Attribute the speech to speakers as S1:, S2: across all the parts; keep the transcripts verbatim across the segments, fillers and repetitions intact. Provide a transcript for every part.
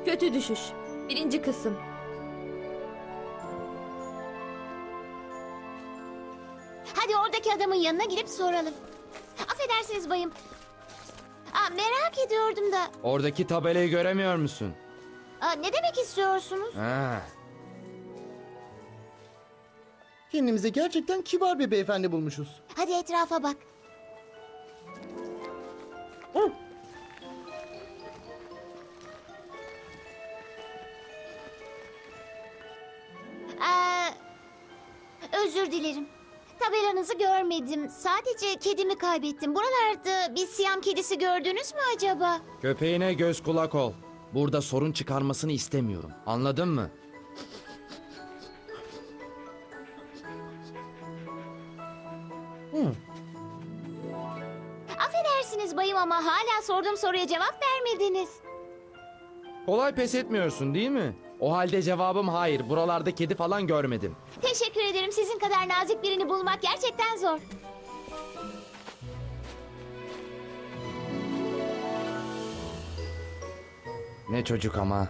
S1: Kötü düşüş. Birinci kısım.
S2: Hadi oradaki adamın yanına gidip soralım. Affedersiniz bayım. Aa, merak ediyordum da.
S3: Oradaki tabelayı göremiyor musun?
S2: Aa, ne demek istiyorsunuz?
S3: Ha.
S4: Kendimize gerçekten kibar bir beyefendi bulmuşuz.
S2: Hadi etrafa bak. Aa, özür dilerim. Tabelanızı görmedim. Sadece kedimi kaybettim. Buralarda bir Siyam kedisi gördünüz mü acaba?
S3: Köpeğine göz kulak ol. Burada sorun çıkarmasını istemiyorum. Anladın mı?
S2: Affedersiniz bayım ama hala sorduğum soruya cevap vermediniz.
S3: Kolay pes etmiyorsun değil mi? O halde cevabım hayır. Buralarda kedi falan görmedim.
S2: Teşekkür ederim. Sizin kadar nazik birini bulmak gerçekten zor.
S3: Ne çocuk ama.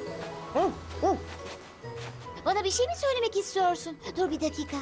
S2: Bana bir şey mi söylemek istiyorsun? Dur bir dakika.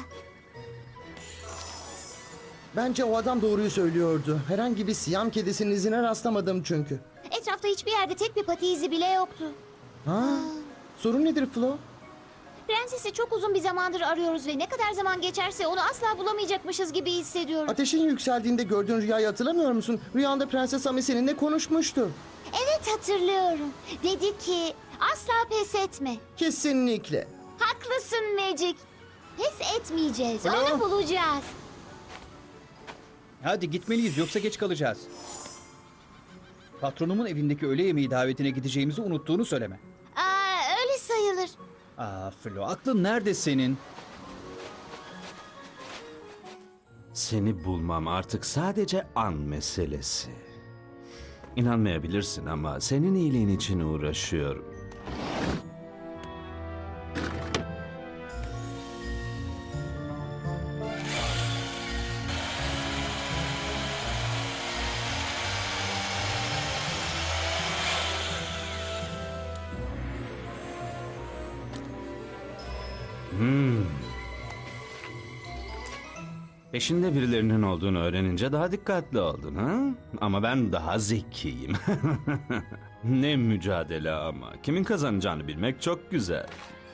S4: Bence o adam doğruyu söylüyordu. Herhangi bir Siyam kedisinin izine rastlamadım çünkü.
S2: Etrafta hiçbir yerde tek bir pati izi bile yoktu.
S4: Ha? Sorun nedir Flo?
S2: Prensesi çok uzun bir zamandır arıyoruz ve ne kadar zaman geçerse onu asla bulamayacakmışız gibi hissediyorum.
S4: Ateşin yükseldiğinde gördüğün rüyayı hatırlamıyor musun? Rüyanda Prenses Ami seninle konuşmuştu.
S2: Evet hatırlıyorum. Dedi ki asla pes etme.
S4: Kesinlikle.
S2: Haklısın Magic. Pes etmeyeceğiz.
S5: Flo?
S2: Onu bulacağız.
S5: Hadi gitmeliyiz yoksa geç kalacağız. Patronumun evindeki öğle yemeği davetine gideceğimizi unuttuğunu söyleme.
S2: Aa, öyle sayılır.
S5: Aa Flo, aklın nerede senin?
S6: Seni bulmam artık sadece an meselesi. İnanmayabilirsin ama senin iyiliğin için uğraşıyorum. Hmm. Peşinde birilerinin olduğunu öğrenince daha dikkatli oldun ha? Ama ben daha zekiyim. Ne mücadele ama. Kimin kazanacağını bilmek çok güzel.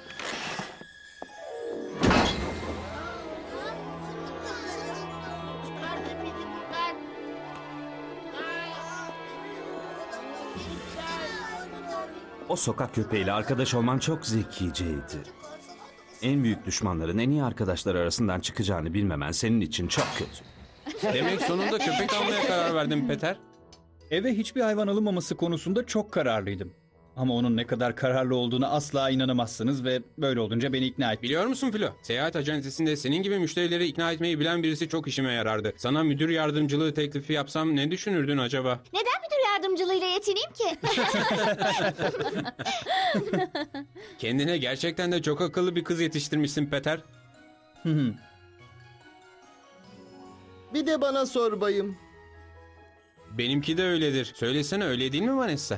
S6: O sokak köpeğiyle arkadaş olman çok zekiceydi. En büyük düşmanların en iyi arkadaşlar arasından çıkacağını bilmemen senin için çok kötü.
S7: Demek sonunda köpek almaya karar verdin Peter.
S5: Eve hiçbir hayvan alınmaması konusunda çok kararlıydım. Ama onun ne kadar kararlı olduğunu asla inanamazsınız ve böyle olunca beni ikna etti.
S7: Biliyor musun Filo? Seyahat acentesinde senin gibi müşterileri ikna etmeyi bilen birisi çok işime yarardı. Sana müdür yardımcılığı teklifi yapsam ne düşünürdün acaba?
S2: Neden müdür yardımcılığıyla yetineyim ki?
S7: Kendine gerçekten de çok akıllı bir kız yetiştirmişsin Peter.
S4: Bir de bana sor bayım.
S7: Benimki de öyledir. Söylesene, öyle değil mi Vanessa?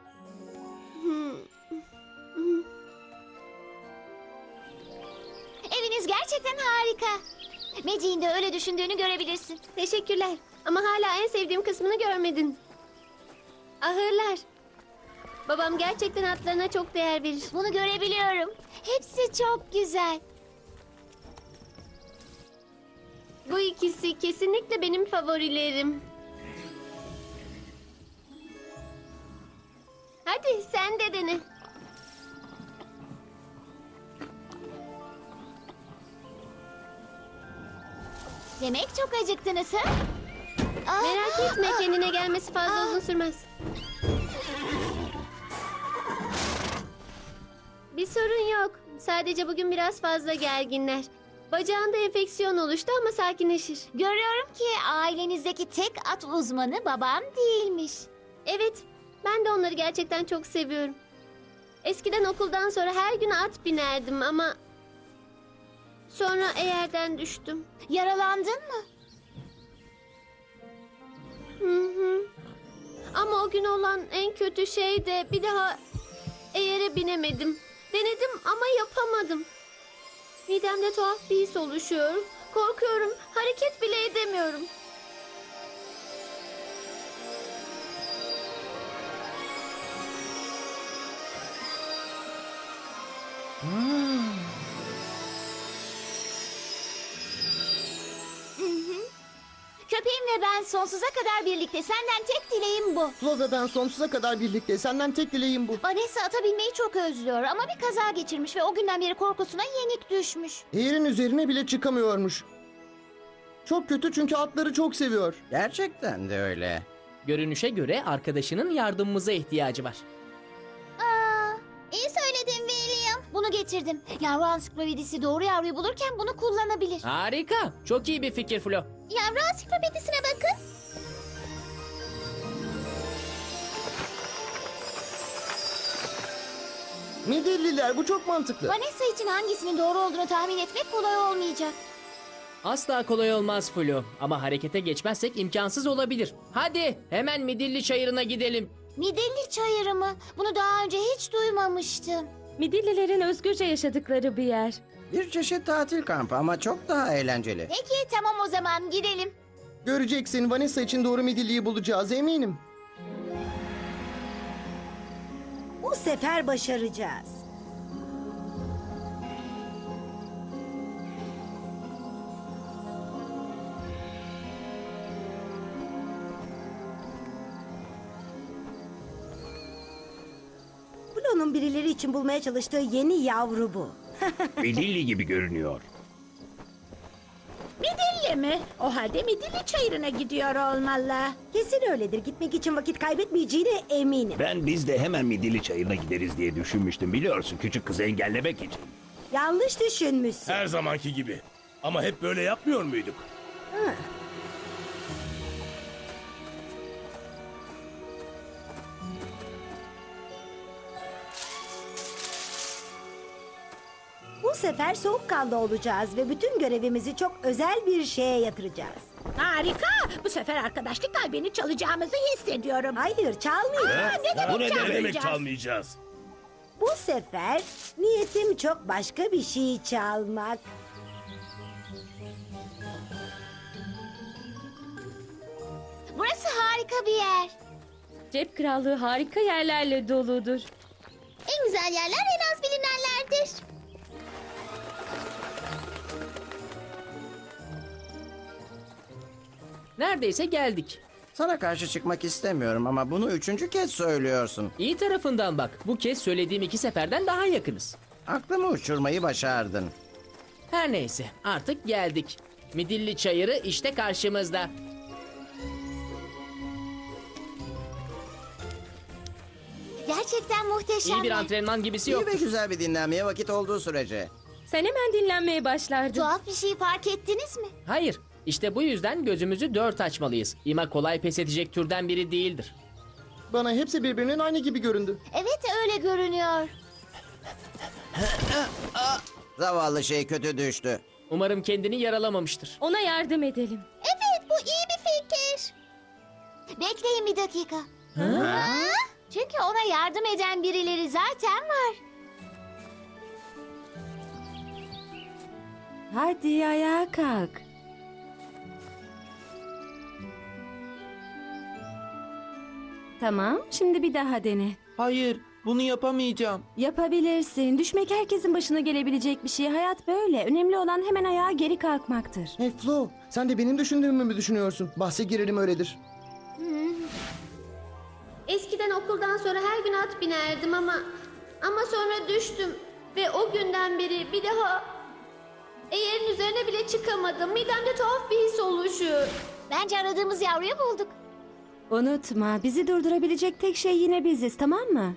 S2: Eviniz gerçekten harika. Magic'in de öyle düşündüğünü görebilirsin.
S8: Teşekkürler. Ama hala en sevdiğim kısmını görmedin. Ahırlar. Babam gerçekten atlarına çok değer verir.
S2: Bunu görebiliyorum. Hepsi çok güzel.
S8: Bu ikisi kesinlikle benim favorilerim. Hadi sen de dene.
S2: Demek çok acıktınız ha? Aa,
S8: Merak etme, kendine gelmesi fazla uzun sürmez. Bir sorun yok. Sadece bugün biraz fazla gerginler. Bacağında enfeksiyon oluştu ama sakinleşir.
S2: Görüyorum ki ailenizdeki tek at uzmanı babam değilmiş.
S8: Evet, ben de onları gerçekten çok seviyorum. Eskiden okuldan sonra her gün at binerdim ama... Sonra eğerden düştüm.
S2: Yaralandın mı?
S8: Hı hı. Ama o gün olan en kötü şey de bir daha eğere binemedim. Denedim ama yapamadım. Midemde tuhaf bir his oluşuyor. Korkuyorum. Hareket bile edemiyorum.
S2: Köpeğim ve ben sonsuza kadar birlikte. Senden tek dileğim bu.
S4: Flo ve ben sonsuza kadar birlikte. Senden tek dileğim bu.
S2: Vanessa ata binmeyi çok özlüyor ama bir kaza geçirmiş ve o günden beri korkusuna yenik düşmüş.
S4: Eğerin üzerine bile çıkamıyormuş. Çok kötü çünkü atları çok seviyor.
S9: Gerçekten de öyle.
S10: Görünüşe göre arkadaşının yardımımıza ihtiyacı var.
S2: Aa, iyi söyledin William. Bunu getirdim. Yavru ansiklopedisi doğru yavruyu bulurken bunu kullanabilir.
S10: Harika. Çok iyi bir fikir Flo.
S2: Yavru ansiklopedisine bakın.
S4: Midilliler, bu çok mantıklı.
S2: Vanessa için hangisinin doğru olduğunu tahmin etmek kolay olmayacak.
S10: Asla kolay olmaz Flo. Ama harekete geçmezsek imkansız olabilir. Hadi hemen Midilli Çayırı'na gidelim.
S2: Midilli çayırı mı? Bunu daha önce hiç duymamıştım.
S1: Midillilerin özgürce yaşadıkları bir yer.
S9: Bir çeşit tatil kampı ama çok daha eğlenceli.
S2: Peki tamam o zaman gidelim.
S4: Göreceksin, Vanessa için doğru midilliyi bulacağız, eminim.
S11: Bu sefer başaracağız. Blue'nun birileri için bulmaya çalıştığı yeni yavru bu.
S12: Midilli gibi görünüyor.
S11: Midilli mi? O halde Midilli çayırına gidiyor olmalı. Kesin öyledir. Gitmek için vakit kaybetmeyeceğine eminim.
S12: Ben biz de hemen Midilli Çayırı'na gideriz diye düşünmüştüm, biliyorsun, küçük kızı engellemek için.
S11: Yanlış düşünmüşsün.
S12: Her zamanki gibi. Ama hep böyle yapmıyor muyduk?
S11: Hı. Bu sefer soğukkanlı olacağız ve bütün görevimizi çok özel bir şeye yatıracağız.
S13: Harika. Bu sefer arkadaşlık kalbini çalacağımızı hissediyorum.
S11: Hayır, çalmayacağız.
S13: Aa, ne demek
S12: Bu ne demek
S13: çalmayacağız?
S12: çalmayacağız?
S11: Bu sefer niyetim çok başka bir şey çalmak.
S2: Burası harika bir yer.
S1: Cep krallığı harika yerlerle doludur.
S2: En güzel yerler en az bilinenlerdir.
S10: Neredeyse geldik.
S9: Sana karşı çıkmak istemiyorum ama bunu üçüncü kez söylüyorsun.
S10: İyi tarafından bak. Bu kez söylediğim iki seferden daha yakınız.
S9: Aklımı uçurmayı başardın.
S10: Her neyse artık geldik. Midilli Çayırı işte karşımızda.
S2: Gerçekten muhteşem.
S10: İyi bir antrenman gibisi
S9: İyi
S10: yok.
S9: ve güzel bir dinlenmeye vakit olduğu sürece.
S1: Sen hemen dinlenmeye başlardın.
S2: Tuhaf bir şey fark ettiniz mi?
S10: Hayır. İşte bu yüzden gözümüzü dört açmalıyız. İma kolay pes edecek türden biri değildir.
S4: Bana hepsi birbirinin aynı gibi göründü.
S2: Evet öyle görünüyor.
S9: Zavallı şey kötü düştü.
S10: Umarım kendini yaralamamıştır.
S1: Ona yardım edelim.
S2: Evet bu iyi bir fikir. Bekleyin bir dakika. Ha? Çünkü ona yardım eden birileri zaten var.
S1: Hadi ayağa kalk. Tamam, şimdi bir daha dene.
S3: Hayır, bunu yapamayacağım.
S1: Yapabilirsin. Düşmek herkesin başına gelebilecek bir şey. Hayat böyle. Önemli olan hemen ayağa geri kalkmaktır.
S4: Hey Flo, sen de benim düşündüğümü mü düşünüyorsun? Bahse girerim öyledir.
S8: Eskiden okuldan sonra her gün at binerdim ama... Ama sonra düştüm. Ve o günden beri bir daha... Eğerin üzerine bile çıkamadım. Midemde tuhaf bir his oluşuyor.
S2: Bence aradığımız yavruyu bulduk.
S1: Unutma, bizi durdurabilecek tek şey yine biziz, tamam mı?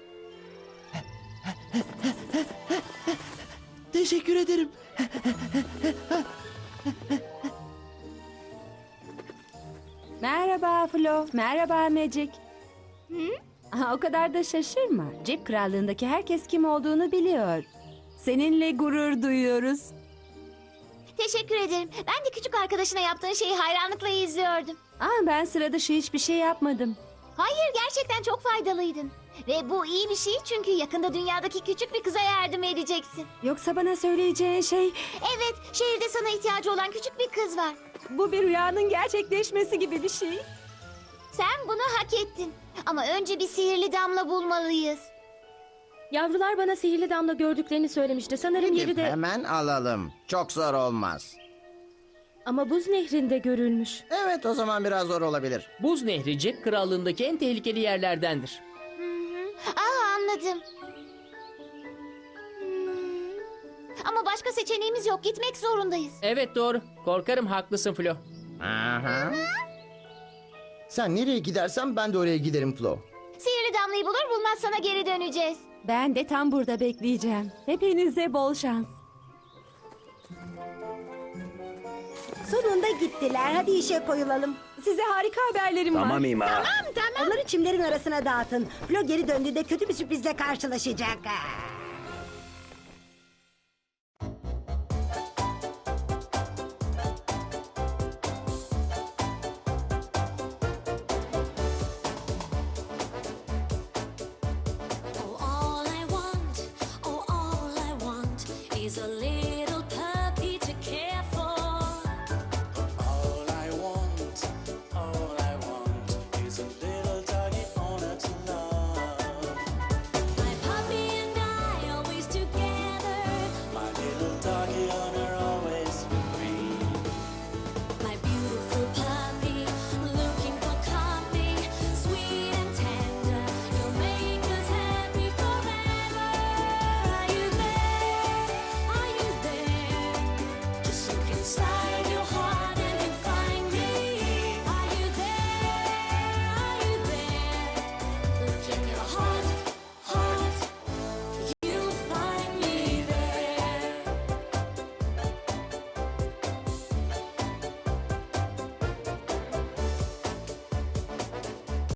S3: Teşekkür ederim.
S1: Merhaba Flo, merhaba Magic. Aha, o kadar da şaşırma. Cep krallığındaki herkes kim olduğunu biliyor. Seninle gurur duyuyoruz.
S2: Teşekkür ederim. Ben de küçük arkadaşına yaptığın şeyi hayranlıkla izliyordum.
S1: Aa, ben sıra dışı hiçbir şey yapmadım.
S2: Hayır, gerçekten çok faydalıydın. Ve bu iyi bir şey çünkü yakında dünyadaki küçük bir kıza yardım edeceksin.
S1: Yoksa bana söyleyeceğin şey
S2: Evet, şehirde sana ihtiyacı olan küçük bir kız var.
S1: bu bir rüyanın gerçekleşmesi gibi bir şey.
S2: Sen bunu hak ettin. Ama önce bir sihirli damla bulmalıyız.
S14: Yavrular bana sihirli damla gördüklerini söylemişti. Sanırım yeri
S9: Gidip
S14: de...
S9: hemen alalım. Çok zor olmaz.
S14: Ama buz nehrinde görülmüş.
S9: Evet, o zaman biraz zor olabilir.
S10: Buz Nehri Cep Krallığındaki en tehlikeli yerlerdendir.
S2: Aa, anladım. Hmm. Ama başka seçeneğimiz yok. Gitmek zorundayız.
S10: Evet doğru. Korkarım haklısın Flo.
S9: Aha.
S4: Sen nereye gidersen ben de oraya giderim Flo.
S2: Sihirli damlayı bulur bulmaz sana geri döneceğiz.
S1: Ben de tam burada bekleyeceğim. Hepinize bol şans.
S11: Sonunda gittiler. Hadi işe koyulalım.
S1: Size harika haberlerim var.
S12: Tamam İma.
S11: Tamam tamam. Onları çimlerin arasına dağıtın. Flo geri döndüğünde kötü bir sürprizle karşılaşacak. Ha.